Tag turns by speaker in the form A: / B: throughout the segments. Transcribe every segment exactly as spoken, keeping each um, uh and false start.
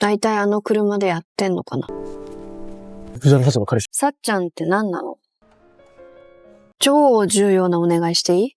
A: だいたいあの車でやってんのかな。
B: 藤原社長の彼氏。
A: さっちゃんって何なの？超重要なお願いしていい？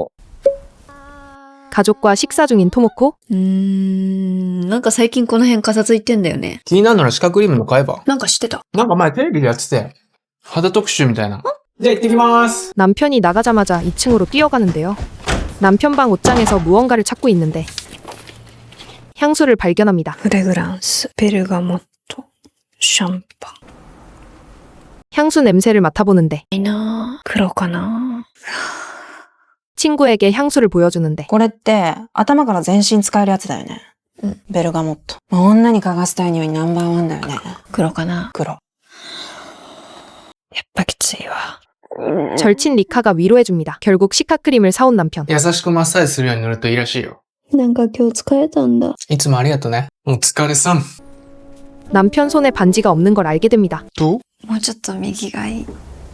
C: 가족과 식사 중인 토모코?
A: うーん、なんか最近この辺かさついてんだよね。
D: 気になるなら歯科クリームの買えば。
A: なんか知ってた？
D: なんか前テレビでやってたよ。肌特集みたいな。じゃあ行ってきます。
C: 남편이 나가자마자 이 층으로 뛰어가는데요. 남편 방 옷장에서 무언가를 찾고 있는데 향수를 발견합니다.
A: フレグランス、ベルガモット、シャンパン。
C: 향수 냄새를 맡아보는데
A: いいなぁ。黒かな。
C: 친구에게 향수를 보여주는데
E: これって頭から全身使えるやつだよね。
A: うん。
E: ベルガモット。女に嗅がせたい匂いナンバーワンだよね。
A: 黒かな。
E: 黒。
A: やっぱきついわ。
C: 절친 리카가 위로해줍니다. 결국 시카크림을 사온 남편.
D: 優しくマッサージするように塗るといいらしいよ。
A: なんか今日疲れたんだ。
D: いつもありがとね。お疲れさん。
C: 남편 손에 반지가 없는 걸 알게 됩니다.
D: どう？
A: もうちょっと右がいい。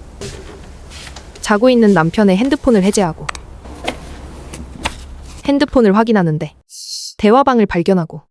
C: 자고 있는 남편의 핸드폰을 해제하고 핸드폰을 확인하는데 대화방을 발견하고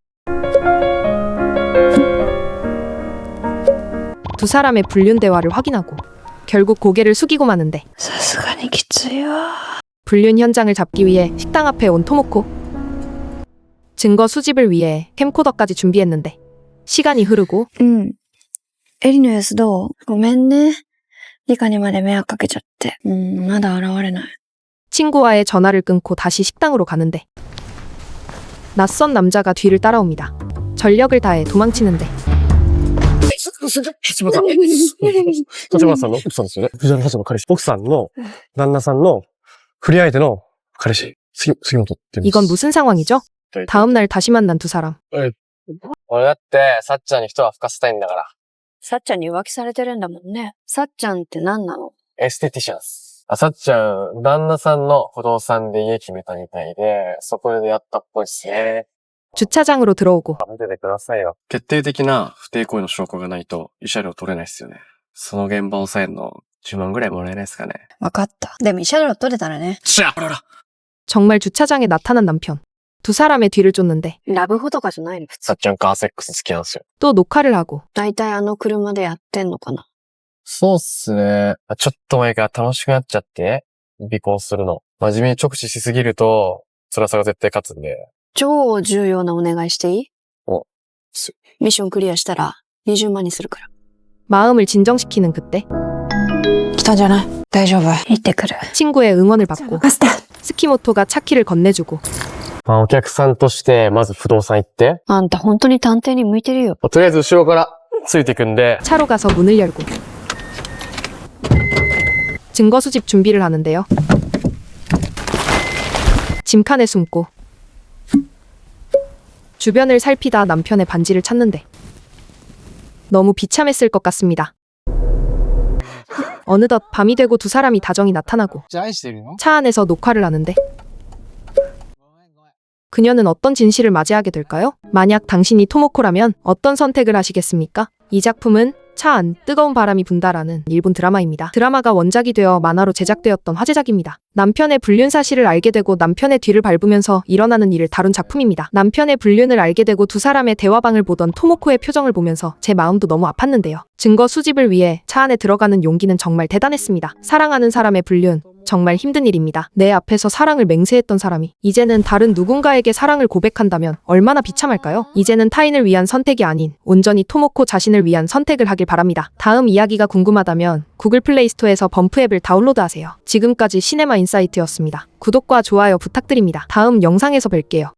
C: 두 사람의 불륜 대화를 확인하고 결국 고개를 숙이고 마는데
A: さすがにきついわ。
C: 불륜 현장을 잡기 위해 식당 앞에 온 토모코. 증거 수집을 위해 캠코더까지 준비했는데 시간이 흐르고
A: うん。エリの様子どう？ごめんね。リカにまで迷惑かけちゃって。うん、まだ現れない。
C: 친구와의 전화를 끊고 다시 식당으로 가는데 낯선 남자가 뒤를 따라옵니다. 전력을 다해 도망치는데
B: 立花さん。立花さんの奥さんですよね。藤原社長の彼氏。奥さんの旦那さんの不倫相手の彼氏。杉杉本って言うんです。
C: 이건 무슨 상황이죠? 다음 날 다시 만난 두 사람.
B: 俺だって、さっちゃんに一は吹かせたいんだから。
A: さっちゃんに浮気されてるんだもんね。さっちゃんって何なの？
B: エステティシャンス。あ、さっちゃん、旦那さんの不動産で家決めたみたいで、そこでやったっぽいっすね。
C: 주차장으로 들어오고
B: 見ててくださいよ。決定的な不貞行為の証拠がないと、慰謝料取れないっすよね。その現場を抑えるの、じゅうまんぐらいもらえないですかね。
A: わかった。でも慰謝料取れたらね。
D: しゃあらら。
C: 정말 주차장에 나타난 남편. 두 사람의 뒤를 쫓는데
A: ラブホとかじゃないの普通。
B: さっちゃんカーセックス好きなんですよ。
C: 또 녹화를 하고
A: だいたいあの車でやってんのかな。
B: そうっすね。ちょっと前から楽しくなっちゃって、尾行するの。真面目に直視しすぎると、辛さが絶対勝つんで。
A: 超重要なお願いしていい？
B: お、す。
A: ミッションクリアしたらにじゅうまんにするから。
C: 마음을 진정시키는 그때
E: 来たんじゃない？大丈夫。
A: 行ってくる。
C: 친구의 응원을 받고
E: 任せて。
C: 스키모토가 차키를 건네주고
B: まあお客さんとして、まず不動産行って。
A: あんた本当に探偵に向いてるよ。
B: とりあえず後ろからついていくんで。
C: 차로 가서 문을 열고 증거 수집 준비를 하는데요. 짐칸에 숨고 주변을 살피다 남편의 반지를 찾는데 너무 비참했을 것 같습니다. 어느덧 밤이 되고 두 사람이 다정히 나타나고
D: じゃあ愛してるの？
C: 차 안에서 녹화를 하는데 그녀는 어떤 진실을 맞이하게 될까요? 만약 당신이 토모코라면 어떤 선택을 하시겠습니까? 이 작품은 차 안 뜨거운 바람이 분다라는 일본 드라마입니다. 드라마가 원작이 되어 만화로 제작되었던 화제작입니다. 남편의 불륜 사실을 알게 되고 남편의 뒤를 밟으면서 일어나는 일을 다룬 작품입니다. 남편의 불륜을 알게 되고 두 사람의 대화방을 보던 토모코의 표정을 보면서 제 마음도 너무 아팠는데요. 증거 수집을 위해 차 안에 들어가는 용기는 정말 대단했습니다. 사랑하는 사람의 불륜, 정말 힘든 일입니다. 내 앞에서 사랑을 맹세했던 사람이 이제는 다른 누군가에게 사랑을 고백한다면 얼마나 비참할까요? 이제는 타인을 위한 선택이 아닌 온전히 토모코 자신을 위한 선택을 하길 바랍니다. 다음 이야기가 궁금하다면 구글 플레이 스토어에서 범프 앱을 다운로드하세요. 지금까지 시네마 인사이트였습니다. 구독과 좋아요 부탁드립니다. 다음 영상에서 뵐게요.